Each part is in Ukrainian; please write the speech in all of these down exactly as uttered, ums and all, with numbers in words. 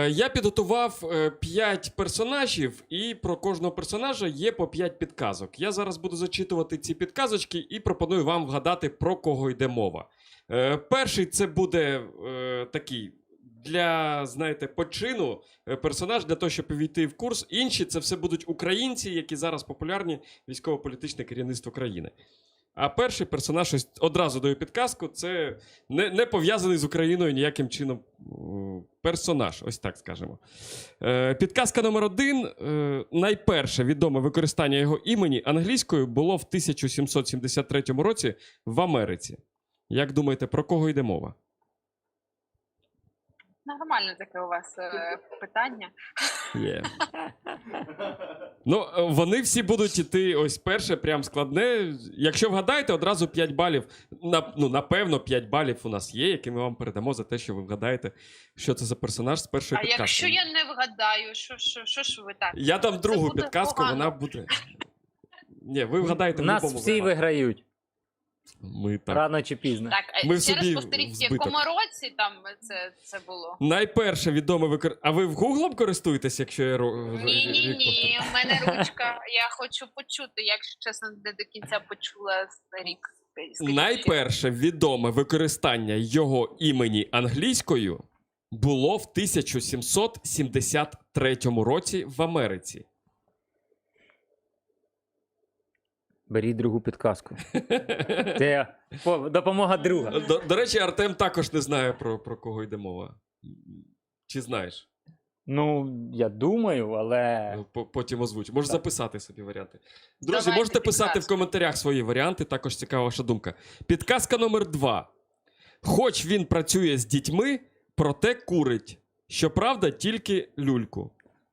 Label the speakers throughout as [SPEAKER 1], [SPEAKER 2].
[SPEAKER 1] Я підготував п'ять персонажів, і про кожного персонажа є по п'ять підказок. Я зараз буду зачитувати ці підказочки і пропоную вам вгадати, про кого йде мова. Е, перший це буде е, такий для, знаєте, почину е, персонаж, для того, щоб увійти в курс. Інші це все будуть українці, які зараз популярні військово-політичне керівництво країни. А перший персонаж, ось одразу даю підказку, це не, не пов'язаний з Україною ніяким чином персонаж, ось так скажемо. Е, підказка номер один. Е, найперше відоме використання його імені англійською було в тисяча сімсот сімдесят третьому році в Америці. Як думаєте, про кого йде мова?
[SPEAKER 2] Нормально таке у вас е, питання.
[SPEAKER 1] Є. Ну, вони всі будуть іти, ось перше, прям складне. Якщо вгадаєте, одразу п'ять балів. На, ну, напевно, п'ять балів у нас є, які ми вам передамо за те, що ви вгадаєте, що це за персонаж з першої
[SPEAKER 2] А
[SPEAKER 1] підказки.
[SPEAKER 2] якщо я не вгадаю, що, що, що ж ви так?
[SPEAKER 1] Я дам другу
[SPEAKER 2] буде
[SPEAKER 1] підказку,
[SPEAKER 2] погано.
[SPEAKER 1] вона буде... Ні, ви вгадаєте
[SPEAKER 3] У
[SPEAKER 1] в
[SPEAKER 3] нас
[SPEAKER 1] будь-якому
[SPEAKER 3] всі
[SPEAKER 1] випадку.
[SPEAKER 3] виграють,
[SPEAKER 1] Ми так.
[SPEAKER 3] рано чи пізно.
[SPEAKER 2] Так, а
[SPEAKER 1] Ми в
[SPEAKER 2] ще
[SPEAKER 1] собі
[SPEAKER 2] раз повторіть, в
[SPEAKER 1] збиток.
[SPEAKER 2] якому році там це, це було?
[SPEAKER 1] Найперше відоме викор... А ви в Гуглом користуєтесь, якщо я... ро-
[SPEAKER 2] Ні-ні-ні, у мене ручка, я хочу почути, якщо чесно, не до кінця почула рік. Скажіть ще.
[SPEAKER 1] Найперше відоме використання його імені англійською було в тисяча сімсот сімдесят третьому році в Америці.
[SPEAKER 3] Беріть другу підказку. Це по- допомога друга.
[SPEAKER 1] До, до речі, Артем також не знає, про, про кого йде мова. Чи знаєш?
[SPEAKER 3] Ну, я думаю, але...
[SPEAKER 1] По- Потім озвучу. Можеш
[SPEAKER 3] Так.
[SPEAKER 1] записати собі варіанти. Друзі,
[SPEAKER 2] Давайте
[SPEAKER 1] можете писати в
[SPEAKER 2] підказку.
[SPEAKER 1] коментарях свої варіанти, також цікава ваша думка. Підказка номер два. Хоч він працює з дітьми, проте курить. Щоправда, тільки люльку.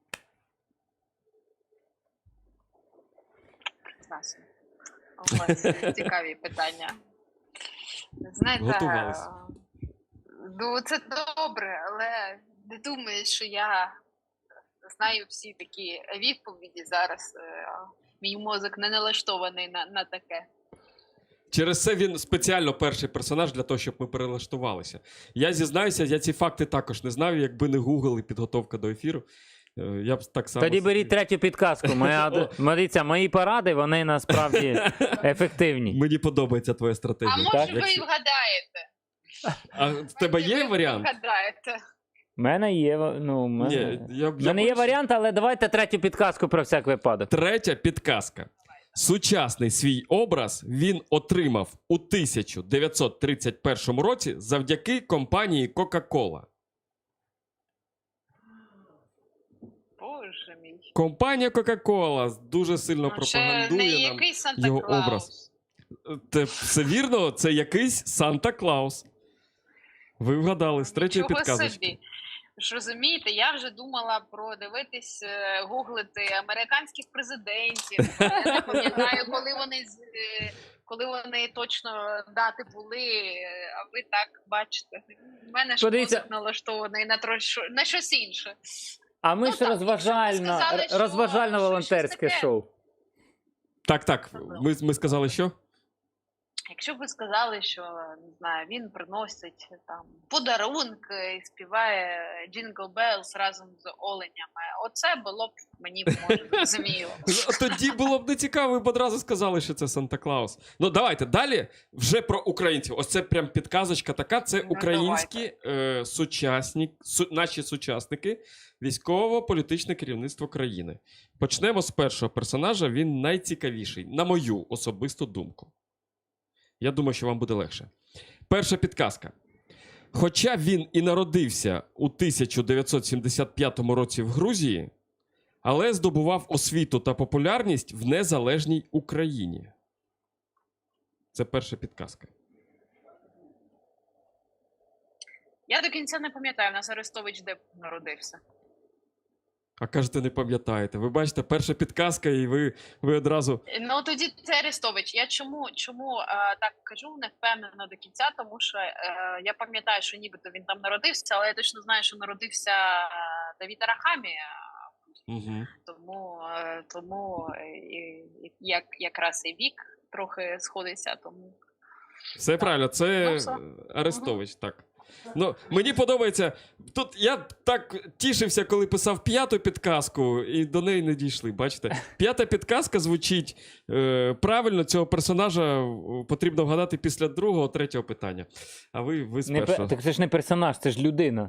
[SPEAKER 2] Прекрасно. У вас цікаві питання. Знаєте,
[SPEAKER 1] Готувались.
[SPEAKER 2] ну це добре, але не думаю, що я знаю всі такі відповіді зараз. Е, Мій мозок не налаштований на, на таке.
[SPEAKER 1] Через це він спеціально перший персонаж для того, щоб ми перелаштувалися. Я зізнаюся, я ці факти також не знав, якби не Google і підготовка до ефіру. е, Я б так само...
[SPEAKER 3] Тоді беріть третю підказку. Моя, дивіться, мої поради, вони насправді ефективні.
[SPEAKER 1] Мені подобається твоя стратегія.
[SPEAKER 2] А може
[SPEAKER 3] так,
[SPEAKER 2] ви
[SPEAKER 1] Якщо-
[SPEAKER 2] вгадаєте?
[SPEAKER 1] А в тебе
[SPEAKER 2] Може,
[SPEAKER 1] є
[SPEAKER 2] ви
[SPEAKER 1] варіант?
[SPEAKER 2] Вгадаєте.
[SPEAKER 3] У мене є, ну, у мене...
[SPEAKER 1] Ні, я,
[SPEAKER 3] У мене є варіант, але давайте третю підказку про всяк випадок.
[SPEAKER 1] Третя підказка. Сучасний свій образ він отримав у тисяча дев'ятсот тридцять першому році завдяки компанії Coca-Cola.
[SPEAKER 2] Боже мій.
[SPEAKER 1] Компанія Coca-Cola дуже сильно
[SPEAKER 2] Ну, це не
[SPEAKER 1] пропагандує нам
[SPEAKER 2] який
[SPEAKER 1] його
[SPEAKER 2] Санта-Клаус.
[SPEAKER 1] образ. Це все вірно, це якийсь Санта-Клаус. Ви вгадали з третьої
[SPEAKER 2] Нічого
[SPEAKER 1] підказочки.
[SPEAKER 2] собі. Ж розумієте, я вже думала про дивитись, е, гуглити американських президентів. Я не пам'ятаю, коли вони з- е, коли вони точно дати були. е, А ви так бачите. У мене ж
[SPEAKER 3] Подивіться.
[SPEAKER 2] мозок налаштований на трош... на щось інше.
[SPEAKER 3] А ми
[SPEAKER 2] Ну
[SPEAKER 3] ж
[SPEAKER 2] так,
[SPEAKER 3] розважально,
[SPEAKER 2] якщо б ви сказали, що-
[SPEAKER 3] розважально-волонтерське
[SPEAKER 2] що щось таке.
[SPEAKER 3] шоу.
[SPEAKER 1] Так, так. Ми, ми сказали, що?
[SPEAKER 2] Якщо б ви сказали, що не знаю, він приносить там подарунки і співає Jingle Bells разом з оленями, оце було б мені може зрозуміло.
[SPEAKER 1] Тоді було б не цікаво, ви б одразу сказали, що це Санта-Клаус. Ну, давайте далі вже про українців. Ось це прям підказочка така. Це
[SPEAKER 2] Ну,
[SPEAKER 1] українські е, сучасні, су, наші сучасники, військово-політичне керівництво країни. Почнемо з першого персонажа. Він найцікавіший, на мою особисту думку. Я думаю, що вам буде легше. Перша підказка. Хоча він і народився у тисяча дев'ятсот сімдесят п'ятому році в Грузії, але здобував освіту та популярність в незалежній Україні. Це перша підказка.
[SPEAKER 2] Я до кінця не пам'ятаю, у нас Арестович де народився.
[SPEAKER 1] А кажете, не пам'ятаєте. Ви бачите, перша підказка, і ви, ви одразу...
[SPEAKER 2] Ну тоді це Арестович. Я чому, чому е, так кажу, не впевнена до кінця, тому що е, я пам'ятаю, що нібито він там народився, але я точно знаю, що народився е, Давід Арахамія.
[SPEAKER 1] Угу.
[SPEAKER 2] Тому, е, тому е, і- і як, якраз і вік трохи сходиться, тому
[SPEAKER 1] Все правильно, це
[SPEAKER 2] Ну, все.
[SPEAKER 1] Арестович, так. Ну, мені подобається. Тут я так тішився, коли писав п'яту підказку, і до неї не дійшли. Бачите? П'ята підказка звучить е, правильно, цього персонажа е, потрібно вгадати після другого, третього питання. А ви, ви з
[SPEAKER 3] Не, пе-
[SPEAKER 1] першого.
[SPEAKER 3] так це ж не персонаж, це ж людина.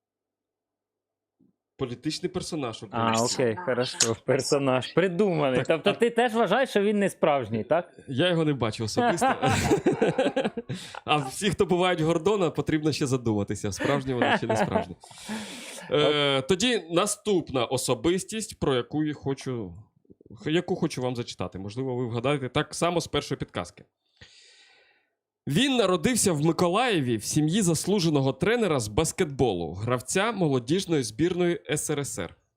[SPEAKER 1] Політичний персонаж
[SPEAKER 3] А,
[SPEAKER 1] український.
[SPEAKER 3] окей,
[SPEAKER 2] Персонаж.
[SPEAKER 3] хорошо. Персонаж. Придуманий.
[SPEAKER 1] Так,
[SPEAKER 3] Тобто
[SPEAKER 1] а-
[SPEAKER 3] ти теж вважаєш, що він не справжній, так?
[SPEAKER 1] Я його не бачу особисто. А всі, хто бувають Гордона, потрібно ще задуматися, справжні вони чи не справжні. Е, тоді наступна особистість, про яку я хочу, яку хочу вам зачитати. Можливо, ви вгадаєте так само з першої підказки. Він народився в Миколаєві в сім'ї заслуженого тренера з баскетболу, гравця молодіжної збірної ес ер ес ер.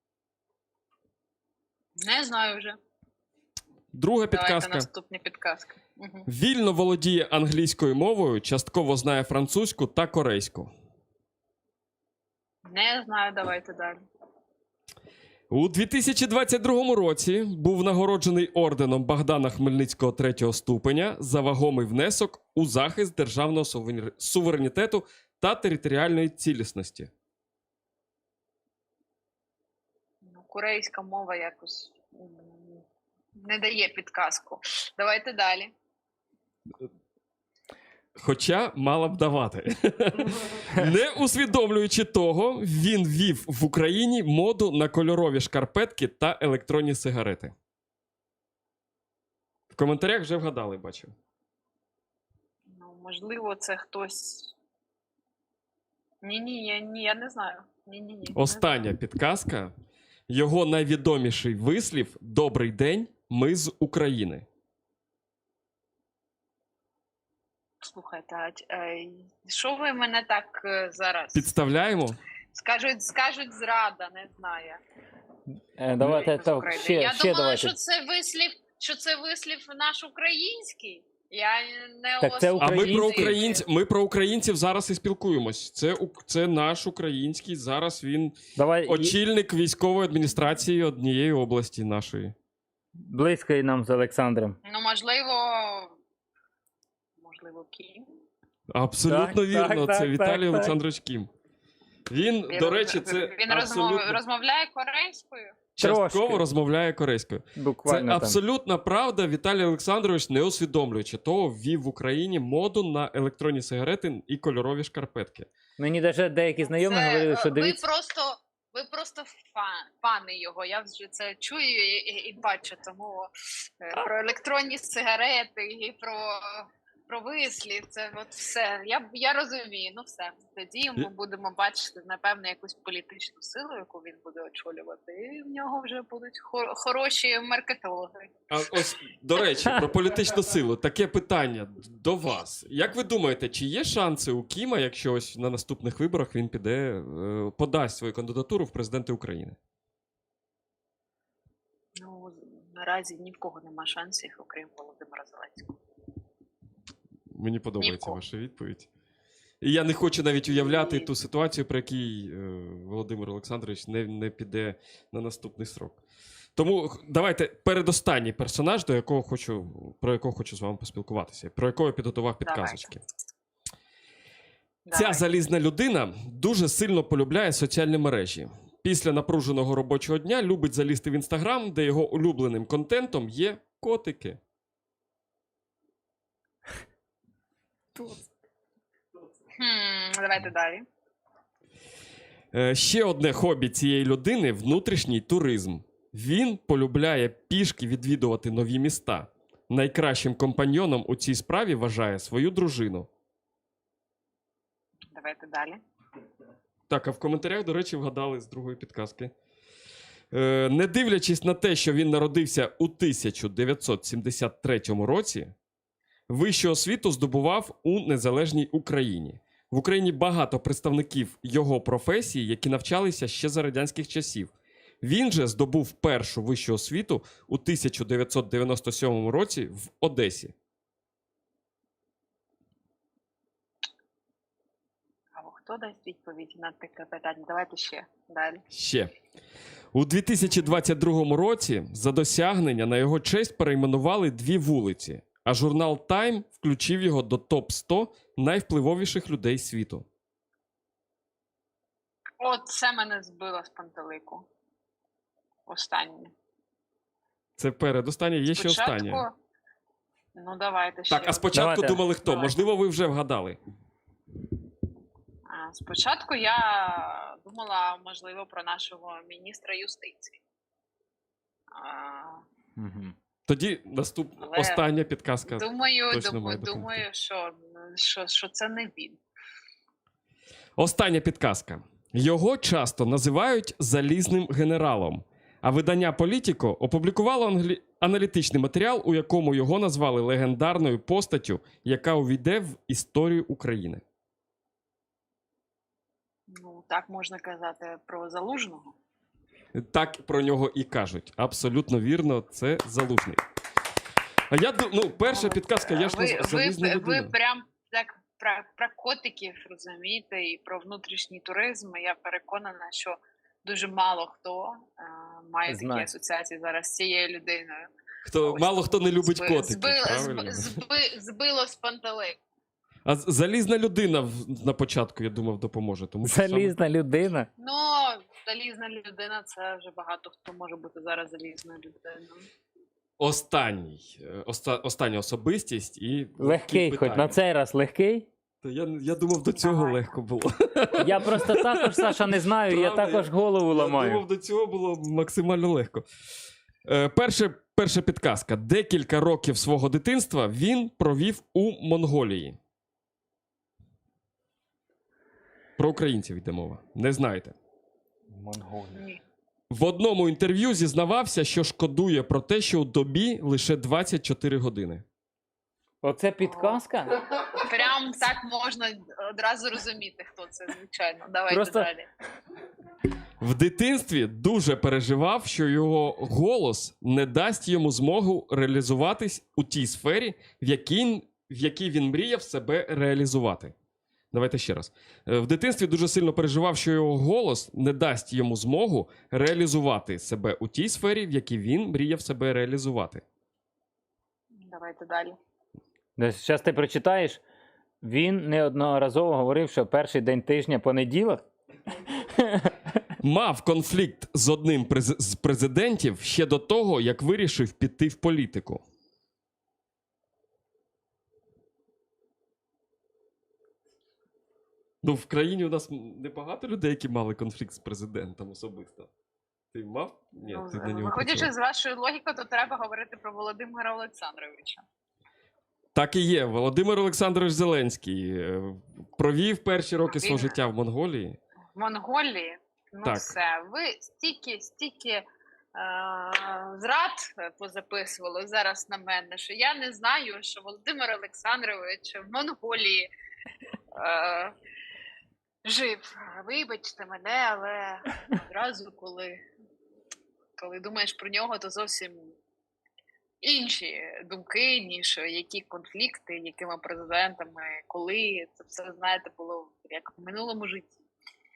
[SPEAKER 2] Не знаю вже.
[SPEAKER 1] Друга
[SPEAKER 2] Давайте
[SPEAKER 1] підказка.
[SPEAKER 2] наступні підказки. Угу.
[SPEAKER 1] Вільно володіє англійською мовою, частково знає французьку та корейську.
[SPEAKER 2] Не знаю, давайте далі.
[SPEAKER 1] У дві тисячі двадцять другому році був нагороджений орденом Богдана Хмельницького третього ступеня за вагомий внесок у захист державного сувенір- суверенітету та територіальної цілісності.
[SPEAKER 2] Ну, корейська мова якось м, не дає підказку. Давайте далі.
[SPEAKER 1] Хоча мала б давати. Не усвідомлюючи того, він ввів в Україні моду на кольорові шкарпетки та електронні сигарети. В коментарях вже вгадали, бачу.
[SPEAKER 2] Ну, можливо, це хтось. Ні-ні, я, ні, я не знаю. Ні-ні-ні.
[SPEAKER 1] Остання підказка. Його найвідоміший вислів «Добрий день, ми з України».
[SPEAKER 2] Слухайте, а ч- е, що ви мене так е, зараз?
[SPEAKER 1] Підставляємо?
[SPEAKER 2] Скажуть, скажуть зрада, не знаю.
[SPEAKER 3] Е, Давайте
[SPEAKER 2] З
[SPEAKER 3] так,
[SPEAKER 2] України.
[SPEAKER 3] ще,
[SPEAKER 2] я
[SPEAKER 3] ще
[SPEAKER 2] думала,
[SPEAKER 3] давайте.
[SPEAKER 2] що це вислів, що це вислів наш український. Я не
[SPEAKER 3] Так це
[SPEAKER 1] А ми про,
[SPEAKER 3] Український.
[SPEAKER 1] українців, ми про українців зараз і спілкуємось. Це, ук- це наш український, зараз він
[SPEAKER 3] Давай, і-
[SPEAKER 1] очільник військової адміністрації однієї області нашої.
[SPEAKER 3] близько і нам з Олександром.
[SPEAKER 2] Ну, можливо, можливо, Кім.
[SPEAKER 1] Абсолютно
[SPEAKER 3] Так,
[SPEAKER 1] вірно,
[SPEAKER 3] так,
[SPEAKER 1] це
[SPEAKER 3] так,
[SPEAKER 1] Віталій
[SPEAKER 3] так,
[SPEAKER 1] Олександрович Кім. Він,
[SPEAKER 2] Він
[SPEAKER 1] до
[SPEAKER 2] роз-
[SPEAKER 1] речі, це
[SPEAKER 2] він
[SPEAKER 1] абсолютно...
[SPEAKER 2] розмов- розмовляє корейською.
[SPEAKER 1] частково
[SPEAKER 3] Трошки.
[SPEAKER 1] розмовляє корейською. Це
[SPEAKER 3] Буквально там.
[SPEAKER 1] абсолютна правда. Віталій Олександрович, не усвідомлюючи того, ввів в Україні моду на електронні сигарети і кольорові шкарпетки.
[SPEAKER 3] Мені навіть деякі знайомі
[SPEAKER 2] Це,
[SPEAKER 3] говорили,
[SPEAKER 2] е,
[SPEAKER 3] що
[SPEAKER 2] ви
[SPEAKER 3] дивіться.
[SPEAKER 2] просто, ви просто фан, фани його. Я вже це чую і, і, і бачу. Тому е, про електронні сигарети і про, про вислів. Це от все. Я, я розумію. Ну все. Тоді ми будемо бачити, напевно, якусь політичну силу, яку він буде очолювати. І в нього вже будуть хор- хороші маркетологи.
[SPEAKER 1] А ось, до речі, про політичну силу. Таке питання до вас. Як ви думаєте, чи є шанси у Кіма, якщо ось на наступних виборах він піде, е, подасть свою кандидатуру в президенти України?
[SPEAKER 2] Ну, наразі ні в кого нема шансів, окрім Володимира Зеленського.
[SPEAKER 1] Мені подобається
[SPEAKER 2] Нікого.
[SPEAKER 1] ваша відповідь. І я не хочу навіть уявляти
[SPEAKER 2] І-
[SPEAKER 1] ту ситуацію, при якій е, Володимир Олександрович не, не піде на наступний срок. Тому х- давайте передостанній персонаж, до якого хочу, про якого хочу з вами поспілкуватися, про якого я підготував підказочки. Ця
[SPEAKER 2] Давай.
[SPEAKER 1] залізна людина дуже сильно полюбляє соціальні мережі. Після напруженого робочого дня любить залізти в інстаграм, де його улюбленим контентом є котики.
[SPEAKER 2] Хм, давайте далі.
[SPEAKER 1] Е, Ще одне хобі цієї людини – внутрішній туризм. Він полюбляє пішки відвідувати нові міста. Найкращим компаньйоном у цій справі вважає свою дружину.
[SPEAKER 2] Давайте далі.
[SPEAKER 1] Так, а в коментарях, до речі, вгадали з другої підказки. Е, не дивлячись на те, що він народився у тисяча дев'ятсот сімдесят третьому році, вищу освіту здобував у незалежній Україні. В Україні багато представників його професії, які навчалися ще за радянських часів. Він же здобув першу вищу освіту у тисяча дев'ятсот дев'яносто сьомому році в Одесі.
[SPEAKER 2] А хто дасть відповідь на таке питання? Давайте ще далі.
[SPEAKER 1] Ще. У дві тисячі двадцять другому році за досягнення на його честь перейменували дві вулиці, а журнал Time включив його до топ сто найвпливовіших людей світу?
[SPEAKER 2] От це мене збило з пантелику. Останнє.
[SPEAKER 1] Це передостаннє, є ще останнє.
[SPEAKER 2] Ну, давайте ще.
[SPEAKER 1] Так, а спочатку
[SPEAKER 3] Давайте.
[SPEAKER 1] думали хто?
[SPEAKER 2] Давайте.
[SPEAKER 1] Можливо, ви вже вгадали.
[SPEAKER 2] А, Спочатку я думала, можливо, про нашого міністра юстиції. А,
[SPEAKER 3] Мгм.
[SPEAKER 1] Тоді наступ...
[SPEAKER 2] Але-
[SPEAKER 1] остання підказка.
[SPEAKER 2] Думаю,
[SPEAKER 1] точно
[SPEAKER 2] дум-
[SPEAKER 1] має допомогти.
[SPEAKER 2] думаю, що, що, що це не він.
[SPEAKER 1] Остання підказка. Його часто називають залізним генералом, а видання Політіко опублікувало англі... аналітичний матеріал, у якому його назвали легендарною постаттю, яка увійде в історію України.
[SPEAKER 2] Ну, так можна казати про Залужного.
[SPEAKER 1] Так про нього і кажуть. Абсолютно вірно, це Залужний. А я ду- ну, перша підказка, я ж
[SPEAKER 2] ви,
[SPEAKER 1] назвав залізна
[SPEAKER 2] ви,
[SPEAKER 1] людина.
[SPEAKER 2] ви прям так про, про котиків розумієте, і про внутрішній туризм. Я переконана, що дуже мало хто е, має такі
[SPEAKER 3] Знає.
[SPEAKER 2] асоціації зараз з цією людиною.
[SPEAKER 1] Хто,
[SPEAKER 2] Ось
[SPEAKER 1] мало хто не любить
[SPEAKER 2] зби-
[SPEAKER 1] котиків,
[SPEAKER 2] зби-
[SPEAKER 1] правильно?
[SPEAKER 2] зби- зби- збило з пантелику.
[SPEAKER 1] А з- залізна людина в- на початку, я думав, допоможе. Тому що саме-
[SPEAKER 3] Залізна людина.
[SPEAKER 2] Ну, залізна людина, це вже багато хто може бути зараз залізною людиною.
[SPEAKER 1] Останній, е, оста, остання особистість і
[SPEAKER 3] Легкий, хоч на цей раз легкий.
[SPEAKER 1] Та я, я думав, до цього
[SPEAKER 2] Давай.
[SPEAKER 1] легко було.
[SPEAKER 3] Я просто також, Саша, не знаю, я
[SPEAKER 1] Правда,
[SPEAKER 3] також голову
[SPEAKER 1] Я
[SPEAKER 3] ламаю.
[SPEAKER 1] думав, до цього було максимально легко. Е, перше, перша підказка. Декілька років свого дитинства він провів у Монголії. Про українців йде мова. Не знаєте.
[SPEAKER 2] Ні.
[SPEAKER 1] В одному інтерв'ю зізнавався, що шкодує про те, що у добі лише двадцять чотири години.
[SPEAKER 3] Оце підказка?
[SPEAKER 2] Прям так можна одразу розуміти, хто це, звичайно. Давайте
[SPEAKER 3] Просто-
[SPEAKER 2] далі.
[SPEAKER 1] В дитинстві дуже переживав, що його голос не дасть йому змогу реалізуватись у тій сфері, в якій, в якій він мріяв себе реалізувати. Давайте ще раз. Е, В дитинстві дуже сильно переживав, що його голос не дасть йому змогу реалізувати себе у тій сфері, в якій він мріяв себе реалізувати.
[SPEAKER 2] Давайте далі.
[SPEAKER 3] Зараз ти прочитаєш. Він неодноразово говорив, що перший день тижня понеділок.
[SPEAKER 1] Мав конфлікт з одним през- з президентів ще до того, як вирішив піти в політику. Ну, в країні у нас небагато людей, які мали конфлікт з президентом особисто. Ти мав? Ні,
[SPEAKER 2] Ну,
[SPEAKER 1] ти на нього
[SPEAKER 2] виходячи
[SPEAKER 1] працював.
[SPEAKER 2] з вашої логіки, то треба говорити про Володимира Олександровича.
[SPEAKER 1] Так і є. Володимир Олександрович Зеленський е, провів перші роки свого
[SPEAKER 2] Він-
[SPEAKER 1] життя в Монголії.
[SPEAKER 2] В Монголії, ну
[SPEAKER 1] Так.
[SPEAKER 2] все, ви стільки, стільки е- зрад позаписували зараз на мене, що я не знаю, що Володимир Олександрович в Монголії е- жив. Вибачте мене, але одразу, коли, коли думаєш про нього, то зовсім інші думки, ніж які конфлікти, якими президентами, коли це все, знаєте, було як в минулому житті.